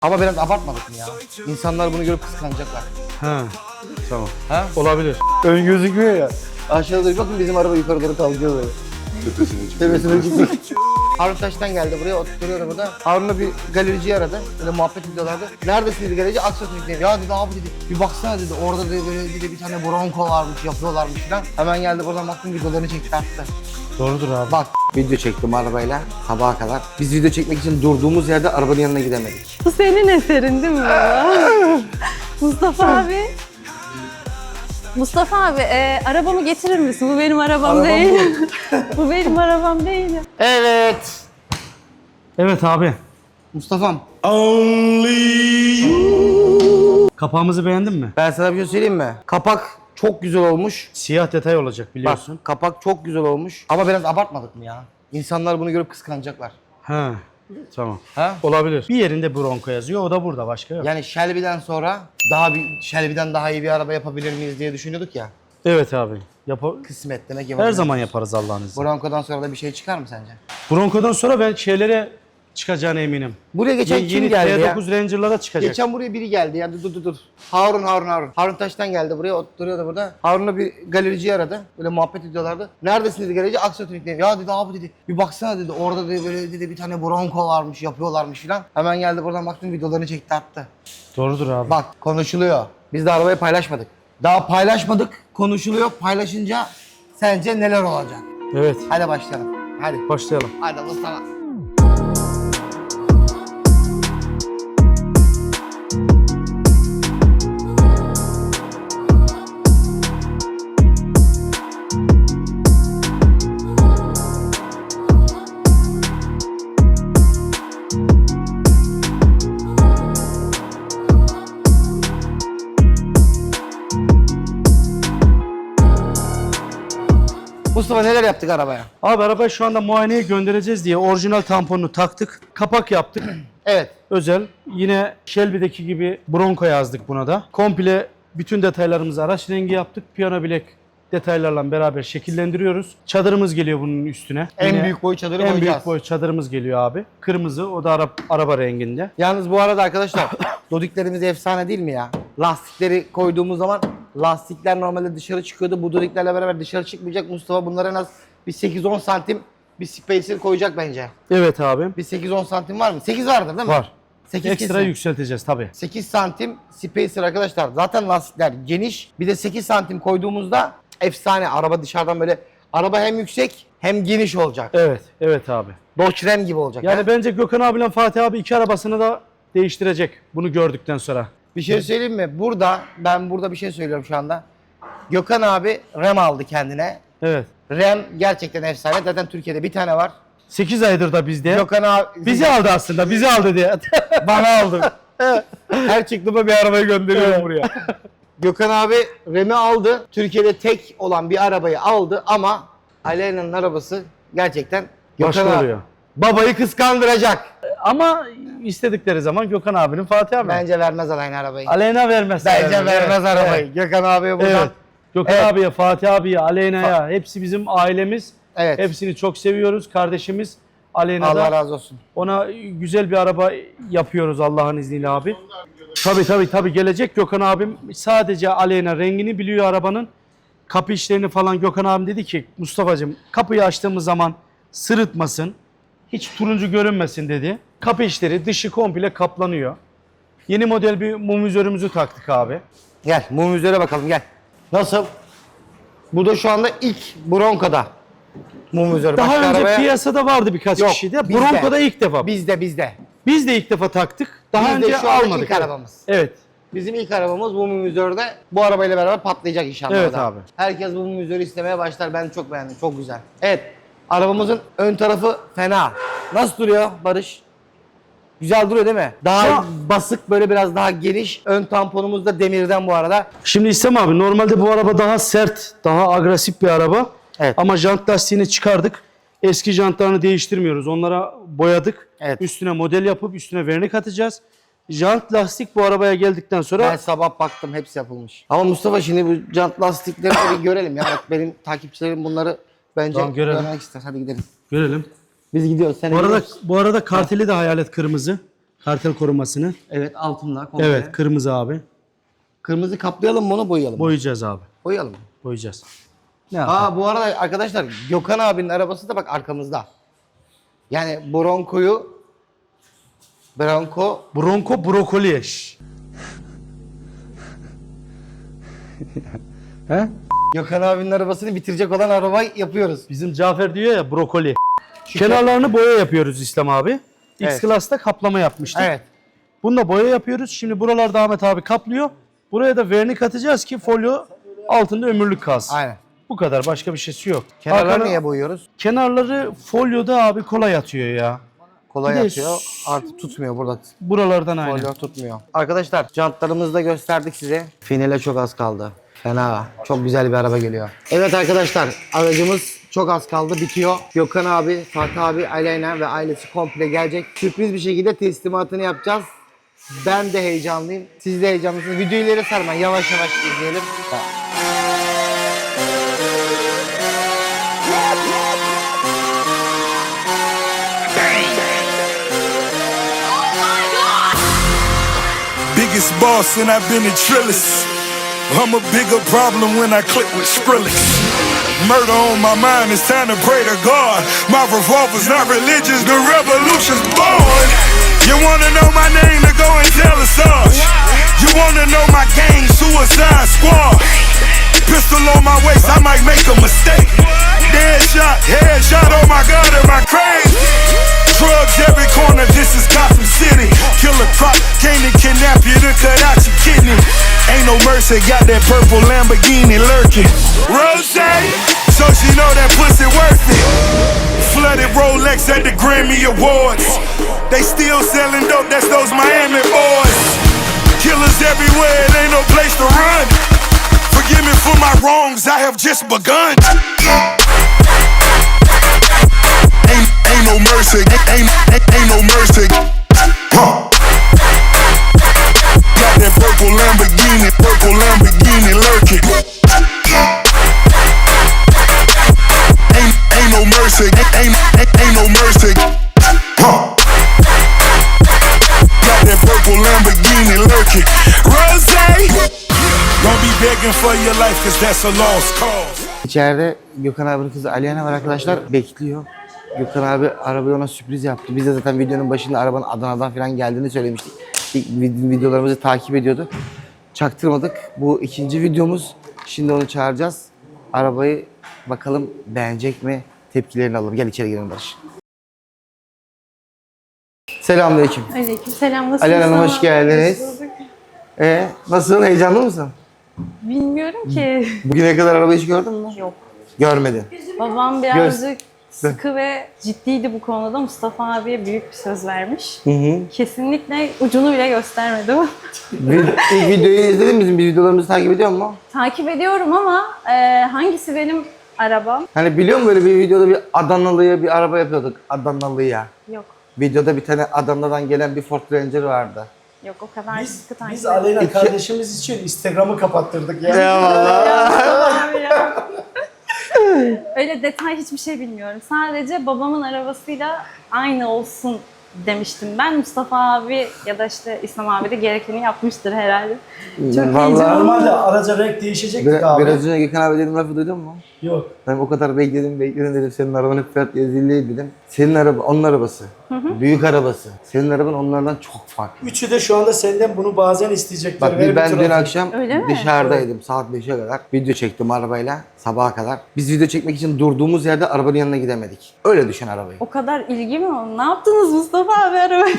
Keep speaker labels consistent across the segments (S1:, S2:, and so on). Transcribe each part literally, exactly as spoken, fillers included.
S1: Ama biraz abartmadık mı ya? İnsanlar bunu görüp kıskanacaklar.
S2: Ha, tamam.
S1: Ha?
S2: Olabilir.
S1: Ön gözükmüyor ya. Aşağıda doğru bakın bizim araba yukarı doğru kalkıyor böyle.
S3: Tepesine çıkıyor.
S1: Tepesine çıkıyor. Harun Taş'tan geldi buraya, oturuyordu burada. Harun'la bir galericiyi aradı. Böyle muhabbet ediyorlardı. Neredesin dedi galerici? Aksatürk'teyim. Ya dedi abi dedi. Bir baksana dedi. Orada dedi böyle dedi, bir tane bronco varmış, yapıyorlarmış falan. Hemen geldi buradan baktım videolarını çekti attı.
S2: Doğrudur abi.
S1: Bak video çektim arabayla sabaha kadar. Biz video çekmek için durduğumuz yerde arabanın yanına gidemedik.
S4: Bu senin eserin değil mi baba? Mustafa abi. Mustafa abi, e, arabamı getirir misin? Bu benim arabam
S1: Arabam
S4: değil. Bu benim arabam değil.
S1: Evet.
S2: Evet abi.
S1: Mustafa'm.
S2: Kapağımızı beğendin mi?
S1: Ben sana bir şey söyleyeyim mi? Kapak çok güzel olmuş.
S2: Siyah detay olacak
S1: Bak
S2: biliyorsun.
S1: kapak çok güzel olmuş. Ama biraz abartmadık mı ya? İnsanlar bunu görüp kıskanacaklar.
S2: Ha. Tamam.
S1: Ha?
S2: Olabilir. Bir yerinde Bronco yazıyor. O da burada, başka yok.
S1: Yani Shelby'den sonra daha bir Shelby'den daha iyi bir araba yapabilir miyiz diye düşünüyorduk ya.
S2: Evet abi. Yap
S1: Kısmet demek ki.
S2: Her zaman yaparız Allah'ın izniyle.
S1: Bronco'dan sonra da bir şey çıkar mı sence?
S2: Bronco'dan sonra ben şeylere çıkacağına eminim.
S1: Buraya geçen
S2: Ye-
S1: kim
S2: Yeni
S1: geldi ya?
S2: T dokuz Ranger'lara çıkacak.
S1: Geçen buraya biri geldi ya. Dur dur dur. Harun Harun Harun. Harun Taş'tan geldi buraya, oturuyordu burada. Harun'la bir galericiyi aradı. Böyle muhabbet ediyorlardı. Neredesin dedi galerici? Aksatürk'teyim. Ya dedi abi dedi. Bir baksana dedi. Orada dedi böyle dedi bir tane bronco varmış, yapıyorlarmış filan. Hemen geldi buradan baktım videolarını çekti attı.
S2: Doğrudur abi.
S1: Bak konuşuluyor. Biz de arabayı paylaşmadık. Daha paylaşmadık. Konuşuluyor. Paylaşınca sence neler olacak?
S2: Evet.
S1: Hadi başlayalım. Hadi.
S2: Başlayalım.
S1: Hadi Mustafa. Mustafa neler yaptık arabaya?
S2: Abi arabayı şu anda muayeneye göndereceğiz diye orijinal tamponunu taktık. Kapak yaptık.
S1: Evet.
S2: Özel. Yine Shelby'deki gibi Bronco yazdık buna da. Komple bütün detaylarımızı araç rengi yaptık. Piyano bilek detaylarla beraber şekillendiriyoruz. Çadırımız geliyor bunun üstüne.
S1: En
S2: Yine
S1: büyük boy çadırı
S2: en
S1: koyacağız.
S2: büyük boy çadırımız geliyor abi. Kırmızı, o da ara, araba renginde.
S1: Yalnız bu arada arkadaşlar dodiklerimiz efsane değil mi ya? Lastikleri koyduğumuz zaman lastikler normalde dışarı çıkıyordu. Bu dodiklerle beraber dışarı çıkmayacak. Mustafa bunlara en az bir sekiz on santim bir spacer koyacak bence.
S2: Evet abi.
S1: Bir sekiz on santim var mı? sekiz vardır değil mi?
S2: Var.
S1: sekiz
S2: Ekstra
S1: kesin.
S2: yükselteceğiz tabii.
S1: sekiz santim spacer arkadaşlar. Zaten lastikler geniş. Bir de sekiz santim koyduğumuzda efsane. Araba dışarıdan böyle, araba hem yüksek hem geniş olacak.
S2: Evet, evet abi.
S1: Dodge Ram gibi olacak.
S2: Yani
S1: ha?
S2: bence Gökhan abiyle Fatih abi iki arabasını da değiştirecek bunu gördükten sonra.
S1: Bir şey söyleyeyim mi? Burada, ben burada bir şey söylüyorum şu anda. Gökhan abi Ram aldı kendine.
S2: Evet.
S1: Ram gerçekten efsane. Zaten Türkiye'de bir tane var.
S2: sekiz aydır da bizde.
S1: Gökhan abi
S2: Bizi aldı aslında, bizi aldı diye.
S1: bana aldı. Her çıktığımda bir arabayı gönderiyorum buraya. Gökhan abi Ram'i aldı. Türkiye'de tek olan bir arabayı aldı ama Aleyna'nın arabası gerçekten Gökhan
S2: Başka
S1: abi
S2: oluyor.
S1: babayı kıskandıracak.
S2: Ama istedikleri zaman Gökhan abinin Fatih abi.
S1: Bence vermez Aleyna arabayı.
S2: Aleyna vermez.
S1: Bence
S2: Evet,
S1: vermez
S2: evet.
S1: arabayı. Gökhan abiye buradan.
S2: Evet. Gökhan
S1: Evet.
S2: abiye, Fatih abiye, Aleyna'ya hepsi bizim ailemiz.
S1: Evet.
S2: Hepsini çok seviyoruz. Kardeşimiz Aleyna'da.
S1: Allah razı olsun.
S2: Ona güzel bir araba yapıyoruz Allah'ın izniyle abi. Tabii tabii tabii gelecek. Gökhan abim sadece Aleyna rengini biliyor arabanın. Kapı işlerini falan Gökhan abim dedi ki Mustafa'cığım kapıyı açtığımız zaman sırıtmasın. Hiç turuncu görünmesin dedi. Kapı işleri dışı komple kaplanıyor. Yeni model bir mum vizörümüzü taktık abi.
S1: Gel mum üzere bakalım gel. Nasıl? Bu da şu anda ilk Bronco'da. Mum üzeri.
S2: Daha
S1: Başka
S2: önce
S1: arabaya-
S2: piyasada vardı birkaç
S1: Yok,
S2: kişi de.
S1: bizde.
S2: Bronco'da ilk defa.
S1: Bizde bizde.
S2: Biz de ilk defa taktık. Daha
S1: Biz de
S2: önce
S1: şu anda
S2: almadık.
S1: ilk
S2: Evet.
S1: arabamız.
S2: Evet.
S1: Bizim ilk arabamız bu mum üzerinde. Bu arabayla beraber patlayacak inşallah.
S2: Evet
S1: o da.
S2: abi.
S1: Herkes bu mum üzeri istemeye başlar. Ben çok beğendim. Çok güzel. Evet. Arabamızın ön tarafı fena. Nasıl duruyor Barış? Güzel duruyor değil mi? Daha
S2: Şu an-
S1: basık, böyle biraz daha geniş. Ön tamponumuz da demirden bu arada.
S2: Şimdi İslam abi normalde bu araba daha sert, daha agresif bir araba.
S1: Evet.
S2: Ama jant lastiğini çıkardık. Eski jantlarını değiştirmiyoruz. Onlara boyadık.
S1: Evet.
S2: Üstüne model yapıp üstüne vernik atacağız. Jant lastik bu arabaya geldikten sonra
S1: Ben sabah baktım, hepsi yapılmış. Ama Mustafa şimdi bu jant lastikleri de bir görelim ya. Bak benim takipçilerim bunları bence
S2: Tamam, görelim.
S1: görmek ister. Hadi gidelim.
S2: görelim.
S1: Biz gidiyoruz. Sen
S2: Bu arada
S1: gidiyorsun.
S2: bu arada karteli de hayalet kırmızı. Kartel korumasını.
S1: Evet altında komple.
S2: Evet kırmızı abi.
S1: Kırmızı kaplayalım mı onu boyayalım mı?
S2: Boyayacağız abi.
S1: Boyayalım mı?
S2: Boyayacağız. Ne yapalım?
S1: Aa bu arada arkadaşlar Gökhan abinin arabası da bak arkamızda. Yani Bronco'yu Bronco
S2: Bronco brokoli. Şş. He?
S1: Gökhan abinin arabasını bitirecek olan arabayı yapıyoruz.
S2: Bizim Cafer diyor ya brokoli. Kenarlarını boya yapıyoruz İslam abi.
S1: Evet.
S2: X-Class'ta kaplama yapmıştık.
S1: Evet.
S2: Bunda boya yapıyoruz. Şimdi buralarda Ahmet abi kaplıyor. Buraya da vernik atacağız ki folyo altında ömürlük kalsın.
S1: Aynen.
S2: Bu kadar. Başka bir şeysi yok.
S1: Kenarları
S2: Arkana-
S1: niye boyuyoruz?
S2: Kenarları folyoda abi kolay atıyor ya.
S1: Kolay
S2: Bir de
S1: atıyor. Artık tutmuyor burada.
S2: Buralardan aynı.
S1: Folyo tutmuyor. Arkadaşlar jantlarımızı da gösterdik size. Finale çok az kaldı. Fena. Çok güzel bir araba geliyor. Evet arkadaşlar aracımız çok az kaldı bitiyor. Gökhan abi, Fatih abi, Aleyna ve ailesi komple gelecek. Sürpriz bir şekilde teslimatını yapacağız. Ben de heyecanlıyım. Siz de heyecanlısınız. Videoyu ileri sarmayın. Yavaş yavaş izleyelim.
S3: Biggest boss and I've been a trillist. I'm a bigger problem when I click with Skrillex. Murder on my mind, it's time to pray to God. My revolver's not religious, the revolution's born. You wanna know my name, to go and tell us Sarge. You wanna know my gang, Suicide Squad. Pistol on my waist, I might make a mistake. Dead shot, head shot, oh my God, am I crazy? Drugs every corner, this is Gotham City. Killer crop, came to kidnap you to cut out your kidney. Ain't no mercy, got that purple Lamborghini lurking. Rose, so she know that pussy worth it. Flooded Rolex at the Grammy Awards. They still selling dope, that's those Miami boys. Killers everywhere, it ain't no place to run. Forgive me for my wrongs, I have just begun. Ain't, ain't no mercy, ain't, ain't, ain't no mercy. Huh. Got that purple Lamborghini, purple Lamborghini lurking. Ain't, ain't no mercy, ain't, ain't, ain't no mercy. Huh. Got that purple Lamborghini lurking. Rose, don't be begging for your life, cause that's a lost cause.
S1: İçeride Gökhan abinin kızı Aleyna var arkadaşlar. Bekliyor. Gökhan abi arabayı ona sürpriz yaptı. Biz de zaten videonun başında arabanın Adana'dan falan geldiğini söylemiştik. İlk videolarımızı takip ediyordu. Çaktırmadık. Bu ikinci videomuz. Şimdi onu çağıracağız. Arabayı bakalım beğenecek mi? Tepkilerini alalım. Gel içeri girelim Barış. Selamünaleyküm.
S4: Aleykümselam. Nasılsın?
S1: Aleyna Hanım hoş geldiniz. Ee, nasılsın? Heyecanlı mısın?
S4: Bilmiyorum ki.
S1: Bugüne kadar arabayı hiç gördün mü?
S4: Yok.
S1: Görmedin.
S4: Babam birazcık sıkı ve ciddiydi bu konuda. Mustafa abiye büyük bir söz vermiş.
S1: Hı hı.
S4: Kesinlikle ucunu bile göstermedi.
S1: Bir, ilk videoyu izledin mi? Bizim videolarımızı takip ediyor musun?
S4: Takip ediyorum ama e, hangisi benim arabam?
S1: Hani biliyor musun böyle bir videoda bir Adanalı'ya bir araba yapıyorduk. Adanalı'ya.
S4: Yok.
S1: Videoda bir tane Adana'dan gelen bir Ford Ranger vardı.
S4: Yok o kadar sıkı takip
S2: Biz
S4: ediyorum.
S2: Aleyna kardeşimiz için Instagram'ı kapattırdık ya.
S1: Eyvallah.
S4: Abi ya. Öyle detay hiçbir şey bilmiyorum. Sadece babamın arabasıyla aynı olsun demiştim ben. Mustafa abi ya da işte İslam abi de gerekeni yapmıştır herhalde. Çok
S1: Vallahi-
S4: heyecanlı.
S2: Normalde araca renk değişecektik
S1: Bir,
S2: abi.
S1: biraz önce Gökhan abi dedim lafı duydun mu?
S2: Yok.
S1: Ben o kadar bekledim bekledim dedim senin arabanın fiyat yazılı dedim. Senin araba onun arabası. Büyük arabası. Senin araban onlardan çok farklı.
S2: Üçü de şu anda senden bunu bazen isteyecekler.
S1: Bak
S2: Ver
S1: bir ben
S2: bir
S1: dün
S2: trafik.
S1: akşam
S4: Öyle mi?
S1: dışarıdaydım saat beşe kadar. Video çektim arabayla sabaha kadar. Biz video çekmek için durduğumuz yerde arabanın yanına gidemedik. Öyle düşün arabayı.
S4: O kadar ilgi mi oldu? Ne yaptınız Mustafa abi arabaya?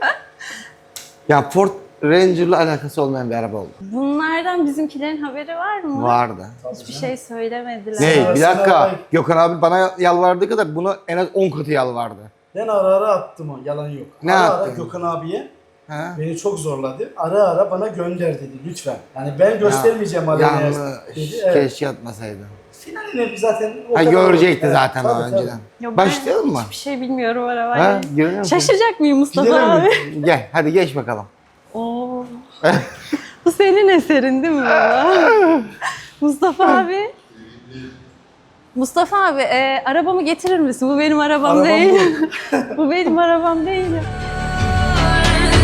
S1: Ya Ford Ranger'la alakası olmayan bir araba oldu.
S4: Bunlardan bizimkilerin haberi var mı?
S1: Vardı.
S4: Hiçbir şey söylemediler.
S1: Ne? Bir
S2: Sana
S1: dakika.
S2: arabayı-
S1: Gökhan abi bana yalvardığı kadar bunu en az on katı yalvardı.
S2: Ben ara ara attım o, yalan yok.
S1: Ne
S2: ara
S1: attın?
S2: ara Gökhan abiye
S1: Ha?
S2: beni çok zorladı. Ara ara bana gönder dedi lütfen. Yani ben göstermeyeceğim Aleyna'ya
S1: Yanlış.
S2: dedi. Evet.
S1: Keşke atmasaydın.
S2: Finaline zaten o
S1: Ha
S2: kadar-
S1: görecekti
S2: Evet,
S1: zaten
S2: tabii,
S1: o
S2: tabii.
S1: önceden.
S4: Ya ben
S1: Başlayalım mı?
S4: Hiçbir şey bilmiyorum
S1: Ha?
S4: arabayla.
S1: Görüyor musun?
S4: Şaşacak mıyım Mustafa
S1: Gidelim
S4: abi?
S1: mi? Gel hadi geç bakalım.
S4: Oo. Bu senin eserin değil mi baba? Mustafa abi. Mustafa abi e, arabamı getirir misin? Bu benim arabam
S2: Arabam
S4: değil. Bu benim arabam değil.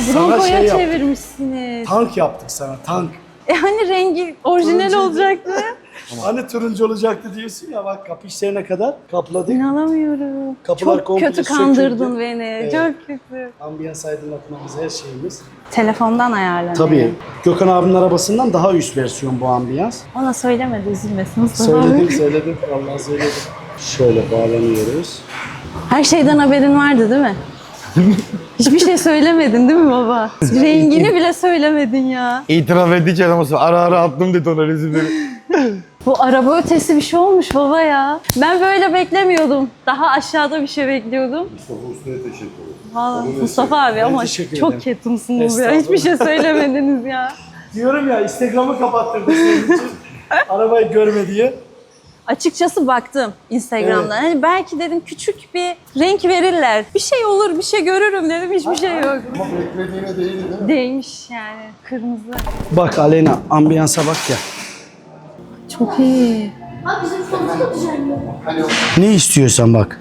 S2: Sana
S4: Bronco'ya
S2: şey yaptık.
S4: çevirmişsiniz.
S2: Tank yaptık sana, tank.
S4: E hani rengi orijinal
S2: Turuncuydu.
S4: olacaktı.
S2: Hani turuncu olacaktı diyorsun ya, bak kapı işlerine kadar kapladık.
S4: İnanamıyorum.
S2: Kapılar
S4: Çok
S2: komple
S4: kötü kandırdın
S2: söküldü.
S4: beni.
S2: Evet.
S4: Çok kötü.
S2: Ambiyans aydınlatmamız, her şeyimiz.
S4: Telefondan ayarlanıyor.
S2: Tabii. Gökhan abinin arabasından daha üst versiyon bu ambiyans.
S4: Ona söylemedi, üzülmesin Mustafa
S2: Söyledim,
S4: abi.
S2: söyledim. Vallahi söyledim. Şöyle bağlanıyoruz.
S4: Her şeyden haberin vardı değil mi? Hiçbir şey söylemedin değil mi baba? Rengini bile söylemedin ya.
S1: İtiraf ettik adamı. Ara ara attım dedi ona resimleri.
S4: Bu araba ötesi bir şey olmuş baba ya. Ben böyle beklemiyordum. Daha aşağıda bir şey bekliyordum.
S5: Mustafa Usta'ya teşekkür ederim.
S4: Vallahi Mustafa abi ama
S2: teşekkür
S4: çok
S2: ederim.
S4: ketumsunuz ya.
S2: Estağfurullah.
S4: Hiçbir şey söylemediniz ya.
S2: Diyorum ya, Instagram'ı kapattırdı senin için. Arabayı görme diye.
S4: Açıkçası baktım Instagram'dan. Hani belki dedim küçük bir renk verirler. Bir şey olur, bir şey görürüm dedim. Hiçbir şey yok.
S5: Ama beklediğine değildi değil mi?
S4: Değmiş yani. Kırmızı.
S2: Bak Aleyna, ambiyansa bak ya.
S4: Çok iyi.
S6: Abi bizim sonumuzu da düzenliyor.
S2: Ne istiyorsan bak.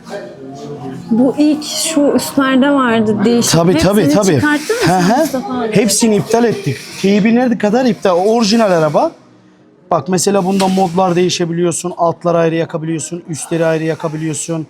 S4: Bu ilk şu üstlerde vardı değişik.
S2: Tabii tabii
S4: Hepsini
S2: tabii.
S4: çıkarttın mı
S2: Hı
S4: sen
S2: hı.
S4: Mustafa abi?
S2: Hepsini iptal ettik. Teybi nerede kadar iptal? O orijinal araba. Bak mesela bunda modlar değişebiliyorsun. Altları ayrı yakabiliyorsun. Üstleri ayrı yakabiliyorsun.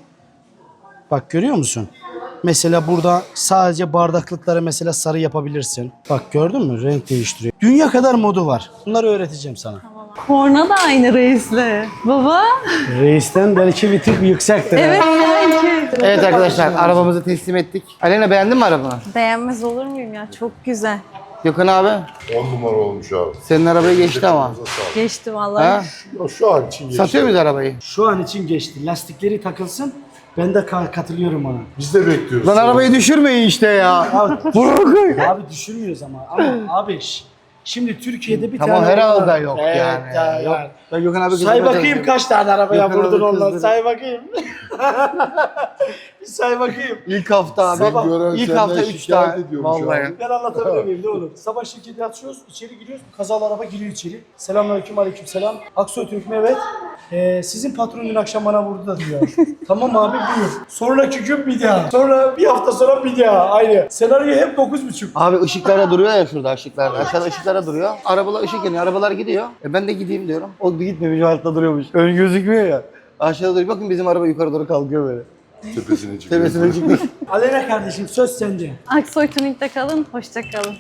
S2: Bak görüyor musun? Mesela burada sadece bardaklıkları mesela sarı yapabilirsin. Bak gördün mü? Renk değiştiriyor. Dünya kadar modu var. Bunları öğreteceğim sana.
S4: Korna da aynı reisle. Baba.
S2: Reisten belki bir tık yüksektir. ha.
S4: Evet belki.
S1: Evet arkadaşlar arabamızı teslim ettik. Alena beğendin mi arabanı?
S4: Beğenmez olur muyum ya? Çok güzel.
S1: Gökhan abi
S5: On numara olmuş abi.
S1: senin arabayı geçti ama.
S5: Elinize sağlık.
S4: Geçti vallahi.
S1: Ha?
S5: Ya şu an için geçti.
S1: Satıyor muyuz arabayı?
S2: Şu an için geçti. Lastikleri takılsın. Ben de ka- katılıyorum ona.
S5: Biz de bekliyoruz.
S1: Lan arabayı düşürmeyin işte ya. Bırakın.
S2: Abi düşürmüyoruz ama. Ama abi ş- şimdi Türkiye'de bir
S1: Tamam
S2: tane...
S1: herhalde yok
S2: Evet,
S1: yani.
S2: ya,
S1: Yok.
S2: ya.
S1: Ben Gökhan abi
S2: Say
S1: kızım
S2: bakayım
S1: hocam.
S2: kaç tane arabaya
S1: Gökhan
S2: vurdun
S1: abi
S2: ondan.
S1: kızdırdı.
S2: Say bakayım. Bir say bakayım.
S1: İlk hafta abi.
S5: Sabah gören
S1: İlk
S5: senden
S1: hafta üç
S5: şikayet
S1: tane.
S5: ediyormuş
S1: Vallahi.
S5: abi.
S2: Ben anlatabiliyor muyum? Ne olur? Sabah şirketi açıyoruz, içeri giriyoruz. Kazalı araba giriyor içeri. Selamünaleyküm, aleykümselam. Aksoy Türk mü? Evet. Ee, sizin patron dün akşam bana vurdu da diyor. Tamam abi buyur. Sonraki gün bir daha. Sonra bir hafta sonra bir daha. Aynı. Senaryo hep dokuz buçuk.
S1: Abi ışıklarda duruyor ya şurada ışıklarda. Aşağıda ışıklarda duruyor. Arabalar ışık yanıyor. Arabalar gidiyor. E ben de gideyim diyorum. O gitmemiş altta duruyormuş. Ön gözükmüyor ya. Aşağıda duruyor. Bakın bizim araba yukarı doğru kalkıyor böyle.
S5: Tepesine çıkıyor.
S1: Tepesine çıkmış.
S2: Aleyna kardeşim söz sende.
S4: Aksoy Tuning'de kalın, hoşça kalın.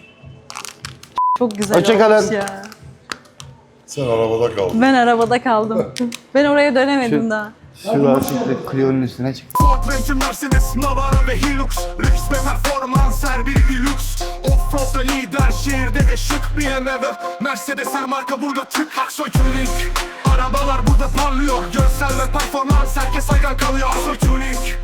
S4: Çok güzel
S1: Hoşça kalın.
S4: olmuş ya.
S5: Sen arabada kaldın.
S4: Ben arabada kaldım. Ben oraya dönemedim daha.
S1: Şu lastikle Clio'nun üstüne çık.
S7: Ford Ranger, Mercedes, Navara ve Hilux. Lüks ve performans her biri deluxe. Offroad'da lider, şehirde de şık B M W. Mercedes her marka burada tık. Aksoy Tuning. Arabalar burada parlıyor. Görsel ve performans herkes hayran kalıyor. Aksoy Tuning.